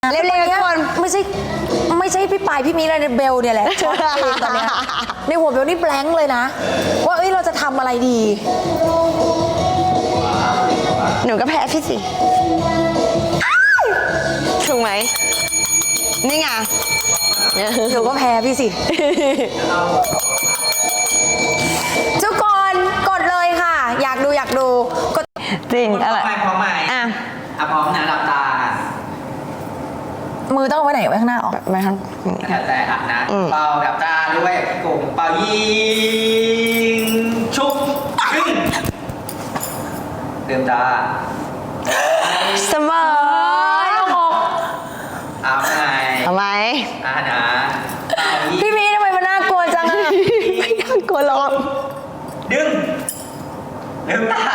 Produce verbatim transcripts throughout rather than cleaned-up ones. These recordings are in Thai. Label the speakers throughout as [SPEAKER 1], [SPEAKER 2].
[SPEAKER 1] เร็วๆทุกคนไม่ใช่ไม่ใช่พี่ปายพี่มีอะไรเบลเนี่ยแหละช็อตเองตอนเนี้ยในหัวเบลนี่แบงค์เลยนะว่าเอ้ยเราจะทำอะไรดี
[SPEAKER 2] หนูก็แพ้พี่สิถูกไหมนี่ไง
[SPEAKER 1] หนูก็แพ้พี่สิทุกคนกดเลยค่ะอยากดูอยากดูกด
[SPEAKER 2] จริงอะไร
[SPEAKER 3] พร้อมไหม
[SPEAKER 2] อ่ะ
[SPEAKER 3] อ่ะพร้อมนะหลับตา
[SPEAKER 1] มือต้องเอาไว้ไหนไว้ข้างหน้าออก
[SPEAKER 2] ไม่ครับ
[SPEAKER 3] แถวแต่อ่ะนะเป่าหลับตาด้วยกลุ่มเป่ายิงชุบขึ้นเดิมตา
[SPEAKER 2] เสมอ
[SPEAKER 3] เอาไง
[SPEAKER 2] ทำไม
[SPEAKER 3] อ่ะนะ
[SPEAKER 1] พี่มีทำไมมันน่ากลัวจังอะ
[SPEAKER 2] ไม่น่ากลัวหรอก
[SPEAKER 3] ดึงเดิมตา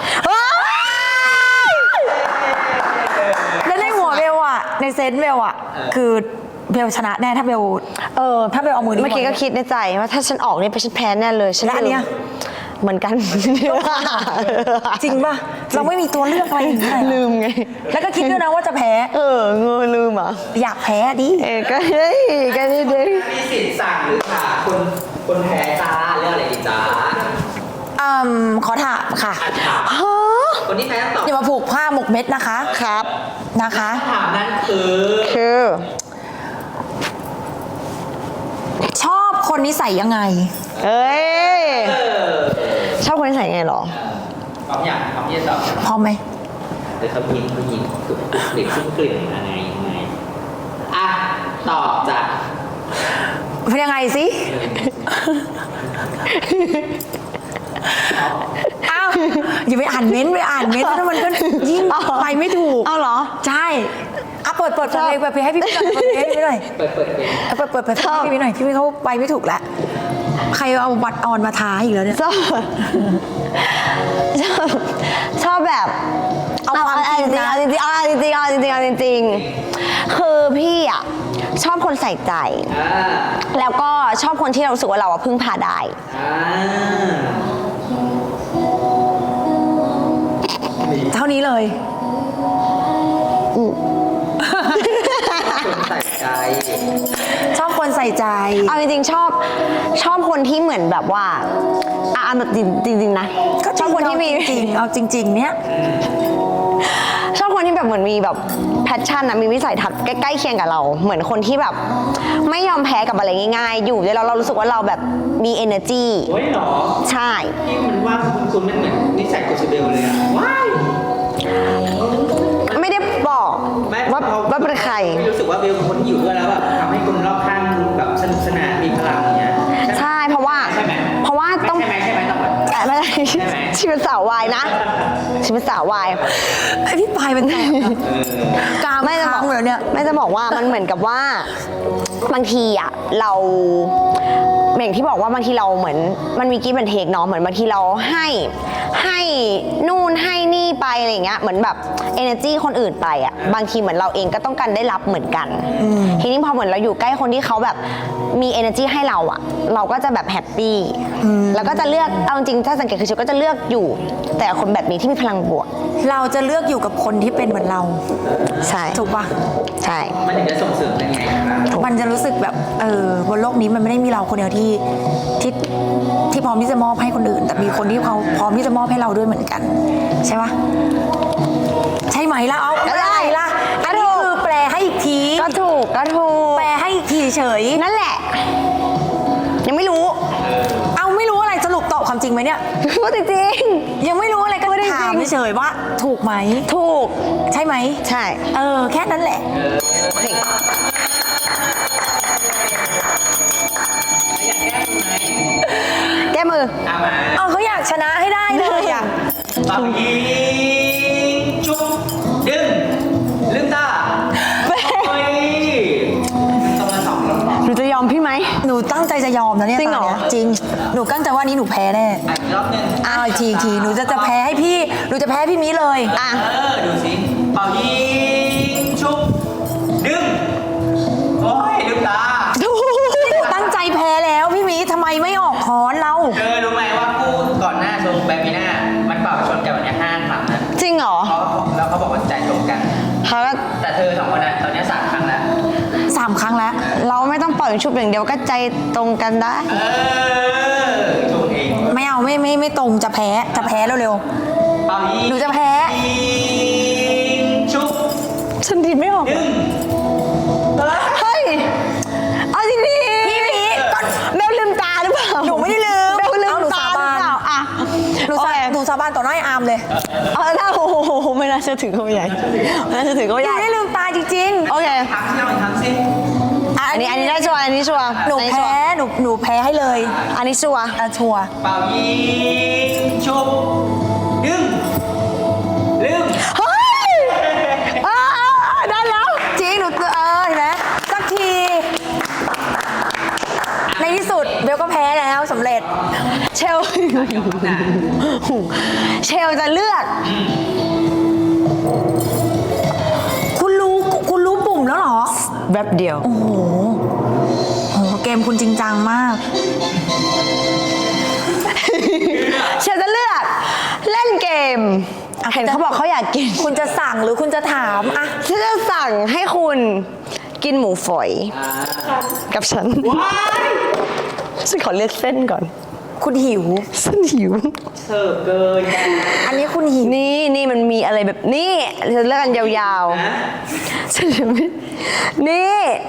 [SPEAKER 1] แล้วในหัวเบลอะในเซนส์เบลอะคือเบลชนะแน่ถ้าเบลเออถ้าเบลเอามือ
[SPEAKER 2] เมื่อกี้ก็คิดในใจว่าถ้าฉันออกเนี่ยไปฉันแพ้แน่เลยฉัน
[SPEAKER 1] แล้วอันเนี้ย
[SPEAKER 2] เหมือนกัน
[SPEAKER 1] จริงป่ะเราไม่มีตัวเลือกอะไรอย่างเงี้ย
[SPEAKER 2] ลืมไง
[SPEAKER 1] แล้วก็คิดด้วยนะว่าจะแพ้
[SPEAKER 2] เออเงยลืมอ่ะ
[SPEAKER 1] อยากแพ้ดิ
[SPEAKER 2] เออก็เฮ้ยก็ได้ดิ
[SPEAKER 3] มีสิทธิ์สั่งหรือขาคนคนแพ้จ้าเรื่องอะไรดีจ้า
[SPEAKER 1] อืมขอถามค่ะ
[SPEAKER 3] คนที่แพ้ต้องตอบ
[SPEAKER 1] อย่ามาผูกผ้าหมกเม็ดนะคะ
[SPEAKER 2] ครับ
[SPEAKER 1] นะคะ
[SPEAKER 3] ถามนั้นคือ
[SPEAKER 2] คือ
[SPEAKER 1] ชอบคนนิสัยยังไง
[SPEAKER 2] เอ้ยชอบคนนิสัยยังไงหรอ
[SPEAKER 3] พร้อมอย่างพร้อมที่จะตอบ
[SPEAKER 1] พร้อมไหม
[SPEAKER 3] เดี๋ยวเขายิงเขายิงกลิ่นชุ่มกลิ่นอะไรยังไงอ่ะตอบจ้ะ
[SPEAKER 1] เป็นยังไงสิอ้าวอย่าไปอ่านเม้นไปอ่านเม้นถ้ามันก็ยิ่งไปไม่ถูก
[SPEAKER 2] เอาเหรอ
[SPEAKER 1] ใช่อ่ะเปิดเปิดเพลงเปิดเพลงให้พี่พี่หน่อยเปิดเพลงให้พี่หน่อย
[SPEAKER 3] เปิดเปิดเพลง
[SPEAKER 1] เปิดเปิดเพลงให้พี่หน่อยพี่พี่เขาไปไม่ถูกแล้วใครเอาบัตรออนมาท้าอีกแล้วเนี่ย
[SPEAKER 2] ชอบชอบชอบแบบ
[SPEAKER 1] เอาความจริงนะ
[SPEAKER 2] จริงๆเอาจริงๆเอาจริงๆเอาจริงๆคือพี่อ่ะชอบคนใส่ใจแล้วก็ชอบคนที่เรารู้สึกว่าเราอะพึ่งพาได้
[SPEAKER 1] เท่านี้เลย
[SPEAKER 3] คนใส่ใจ
[SPEAKER 1] ชอบคนใส่ใจ
[SPEAKER 2] เอาจริงๆชอบชอบคนที่เหมือนแบบว่าอ่ะแบบจริงๆนะชอบคนที่มี
[SPEAKER 1] จริงเอาจริงๆเนี้ย
[SPEAKER 2] ชอบคนที่แบบเหมือนมีแบบแพชชั่นนะมีวิสัยทัศน์ใกล้ๆเคียงกับเราเหมือนคนที่แบบไม่ยอมแพ้กับอะไรง่ายๆอยู่แล้วเรารู้สึกว่าเราแบบมี energy
[SPEAKER 3] โอ้ยหรอ
[SPEAKER 2] ใช่
[SPEAKER 3] ที่มันว่าคุณคุณมันเหมือนนิสัยกุศเบลเลยอะว้าย
[SPEAKER 2] ไม่ได้บอกว่าว่าเป็นใคร
[SPEAKER 3] รู้สึกว่าเบลเป็นคนที่อยู่ด้วยแล้วแบบทำให้คนรอบข้างแบบสนุกสนานมีพลังอย่างเงี้ย
[SPEAKER 2] ใช่เพราะว่า
[SPEAKER 3] ใช่ไหม
[SPEAKER 2] เพราะว่าต้อง
[SPEAKER 3] ใช่ไหมใช่ไหมต้องแบบ
[SPEAKER 2] ไม่ได้ชีวิตสาววายนะชีวิตสาววาย
[SPEAKER 1] ไอพี่ปายเป็นแตกกา
[SPEAKER 2] ไม่จะบอก
[SPEAKER 1] เลยเนี่ย
[SPEAKER 2] ไม่จะบอกว่ามันเหมือนกับว่าบางทีอ่ะเราอย่างที่บอกว่าบางทีเราเหมือนมันมีกิ๊บเป็นเทคเนาะเหมือนบางทีเราให้ให้นู่นให้นี่ไปอะไรเงี้ยเหมือนแบบ energy คนอื่นไปอ่ะบางทีเหมือนเราเองก็ต้องการได้รับเหมือนกันทีนี้พอเหมือนเราอยู่ใกล้คนที่เขาแบบมี energy ให้เราอ่ะเราก็จะแบบแฮปปี้แล้วก็จะเลือกเอาจริงถ้าสังเกตคือชิวก็จะเลือกอยู่แต่คนแบบนี้ที่มีพลังบวก
[SPEAKER 1] เราจะเลือกอยู่กับคนที่เป็นเหมือนเรา
[SPEAKER 2] ใช่
[SPEAKER 1] ถูกปะ
[SPEAKER 2] ใช่
[SPEAKER 3] มันถึงจะส่งเสริมยังไง
[SPEAKER 1] มันจะรู้สึกแบบเออบนโลกนี้มันไม่ได้มีเราคนเดียวที่ที่ที่พร้อมที่จะมอบให้คนอื่นแต่มีคนที่เขาพร้อมที่จะมอบให้เราด้วยเหมือนกันใช่ปะใช่ไหมล่ะเอาอะไรล่ะอันนี้คือแปลให้อีกที
[SPEAKER 2] ก็ถูกก็ถูก
[SPEAKER 1] แปลให้อีกทีเฉย
[SPEAKER 2] นั่นแหละยังไม่รู้
[SPEAKER 1] เอาไม่รู้อะไรสรุปตอบความจริงไหมเนี่ย
[SPEAKER 2] พูดจริง
[SPEAKER 1] ยังไม่รู้อะไรก็ถามเฉยว่าถูกไหม
[SPEAKER 2] ถูก
[SPEAKER 1] ใช่ไหม
[SPEAKER 2] ใช่
[SPEAKER 1] เออแค่นั้นแหละ
[SPEAKER 2] แก้มือ
[SPEAKER 1] เอาเขาอยากชนะให้ได้เลยอ่ะ
[SPEAKER 3] ปังยิงจุ๊บดึงลืมตาโอ้ยต้องมาสองแล้ว
[SPEAKER 2] หนูจะยอมพี่ไหม
[SPEAKER 1] หนูตั้งใจจะยอมนะเนี่ย
[SPEAKER 2] จริงเหรอ
[SPEAKER 1] จริงหนูตั้งใจว่านี้หนูแพ้แน่
[SPEAKER 3] อีกรอบนึง
[SPEAKER 1] อ้าวทีทีหนูจะจะแพ้ให้พี่หนูจะแพ้พี่มีเลย
[SPEAKER 2] อ่ะ
[SPEAKER 3] เออดูสิเป่ายิงจุ๊บดึงโอ้ยลืมตา
[SPEAKER 1] ตั้งใจแพ้แล้วพี่มีทำไมไม่ออกคอนเรา
[SPEAKER 3] เธอรู้ไหมว่าคู่ก่อนหน้าชมแบบนี้หน้ามันเป่าชนกันวันนี้ห้าครั้งนะ
[SPEAKER 2] จริงเหรอ
[SPEAKER 3] เขาแล้วเขาบอกว่าใจตรงกัน
[SPEAKER 2] เขาก็
[SPEAKER 3] แต่เธอสองคนน่ะตอนนี้สาม
[SPEAKER 1] สามครั้งแล้ว
[SPEAKER 2] เราไม่ต้องปล่อยชุบอย่างเดียวก็ใจตรงกันได้
[SPEAKER 3] เออชงเอง
[SPEAKER 1] ไม่เอาไม่ไม่ไม่ตรงจะแพ้จะแพ้เร็ว
[SPEAKER 3] เป่ายิง
[SPEAKER 1] หนูจะแพ้
[SPEAKER 3] ยิงชุบ
[SPEAKER 2] ฉันดีไม่ออก
[SPEAKER 3] หนึ่ง
[SPEAKER 2] เฮ้ย เอาจริงดิ
[SPEAKER 1] ๆพี่พีก็
[SPEAKER 2] เบลลืมตาหรือเปล่า
[SPEAKER 1] หนูไม่ได้ลืม
[SPEAKER 2] เบลลื
[SPEAKER 1] เอา
[SPEAKER 2] ม
[SPEAKER 1] หนู
[SPEAKER 2] ตา
[SPEAKER 1] สา
[SPEAKER 2] หรื
[SPEAKER 1] บา
[SPEAKER 2] อน เปล่าอ่ะ
[SPEAKER 1] หนู
[SPEAKER 2] โอ
[SPEAKER 1] สา
[SPEAKER 2] เค
[SPEAKER 1] หนูสาบานต่อหน้าไอ้อาร์มเลย
[SPEAKER 2] เอาถ้าโอ้โหไม่น่าเชื่อถือเขาใหญ่ไม่น่าเชื่อถือเขา
[SPEAKER 1] หนู
[SPEAKER 2] ใหญ่
[SPEAKER 1] ไม่ได้ลืมตาจริง
[SPEAKER 2] โอเค
[SPEAKER 3] ทางที่เราทำสิ
[SPEAKER 1] ๆะ
[SPEAKER 2] อันนี้อันนี้ได้ชัวร์อันนี้ชัวร์
[SPEAKER 1] หนู
[SPEAKER 2] อันนี้ชัว
[SPEAKER 1] แพ้
[SPEAKER 2] ร์
[SPEAKER 1] หนูหนูแพ้ให้เลย
[SPEAKER 2] อันนี้ชัวร์
[SPEAKER 1] อ่ะชัวร์
[SPEAKER 3] เป่ายิงชุบหนึ่งหนึ่ง
[SPEAKER 2] เฮ้ยอ่าได้แล้ว
[SPEAKER 1] จริงหนูเออเห็นไหมสักที ในที่สุดเบลก็แพ้แล้วสำเร็จ
[SPEAKER 2] เชล เชลจะเลือก
[SPEAKER 1] คุณรู้คุณรู้ปุ่มแล้วเหรอ
[SPEAKER 2] แวบเดียว
[SPEAKER 1] โอ้โหโหเกมคุณจริงจังมาก
[SPEAKER 2] เชลจะเลือก เล่นเกม เห็นเขาบอกเขาอยากกิน
[SPEAKER 1] คุณจะสั่งหรือคุณจะถามอะ
[SPEAKER 2] ฉันจะสั่งให้คุณกินหมูฝอย
[SPEAKER 3] อ่า
[SPEAKER 2] กับฉัน
[SPEAKER 3] ว้าย
[SPEAKER 2] ฉันขอเลือกเส้นก่อน
[SPEAKER 1] คุณหิว
[SPEAKER 2] ฉันหิว
[SPEAKER 3] เสิร์ฟเกินนะ
[SPEAKER 1] อันนี้คุณหิว
[SPEAKER 2] นี่นี่มันมีอะไรแบบนี่เราเลือกกันยาวๆฉันจะไม่นี่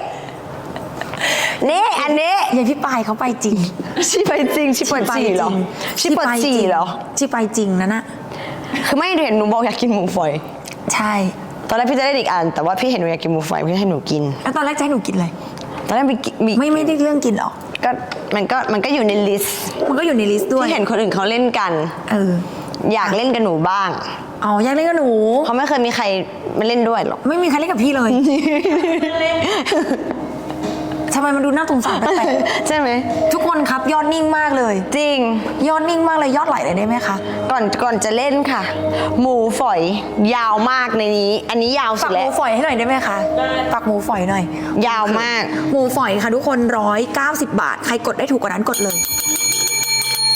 [SPEAKER 2] นี่อันนี้
[SPEAKER 1] อย่างพี่ปายเขาไปจริง
[SPEAKER 2] ชิไปจริงชิปวดจีเหรอชิปวดจีเหรอ
[SPEAKER 1] ชิไปจริงนะน่ะ
[SPEAKER 2] คือไม่เห็นหนูบอกอยากกินหมูฝอย
[SPEAKER 1] ใช่
[SPEAKER 2] ตอนแรกพี่จะได้อีกอันแต่ว่าพี่เห็นหนูอยากกินหมูฝอยพี่ให้หนูกิน
[SPEAKER 1] แล้วตอนแรกจะให้หนูกินอะไร
[SPEAKER 2] ตอนแรกมีมี
[SPEAKER 1] ไม่ไม่ได้เรื่องกินหรอก
[SPEAKER 2] ก็มันก็มันก็อยู่ในลิสต์
[SPEAKER 1] มันก็อยู่ในลิสต์ด้วย
[SPEAKER 2] ที่เห็นคนอื่นเขาเล่นกัน
[SPEAKER 1] เออ
[SPEAKER 2] อยากเล่นกับหนูบ้าง
[SPEAKER 1] อ๋ออยากเล่นกับหนู
[SPEAKER 2] เพราะไม่เคยมีใครมาเล่นด้วยหรอก
[SPEAKER 1] ไม่มีใครเล่นกับพี่เลยทำไมมันดูน่าสงสารแปลก
[SPEAKER 2] ใช่ไหม
[SPEAKER 1] ๆทุกคนครับยอดนิ่งมากเลย
[SPEAKER 2] จริง
[SPEAKER 1] ยอดนิ่งมากเลยยอดไหลเลยได้ไหมคะ
[SPEAKER 2] ก่อนก่อนจะเล่นค่ะ หมูฝอยยาวมากในนี้ อันนี้ยาวสุ
[SPEAKER 1] ปั
[SPEAKER 2] ด
[SPEAKER 1] กห
[SPEAKER 2] แล้
[SPEAKER 1] มู
[SPEAKER 2] ว
[SPEAKER 1] ฝอยให้หน่อยได้ไหมคะปักหมูฝอยหน่อย
[SPEAKER 2] ยาวมาก
[SPEAKER 1] หมูฝอยค่ะทุกคนร้อยเก้าสิบบาท ใครกดได้ถูกกว่านั้นกดเลย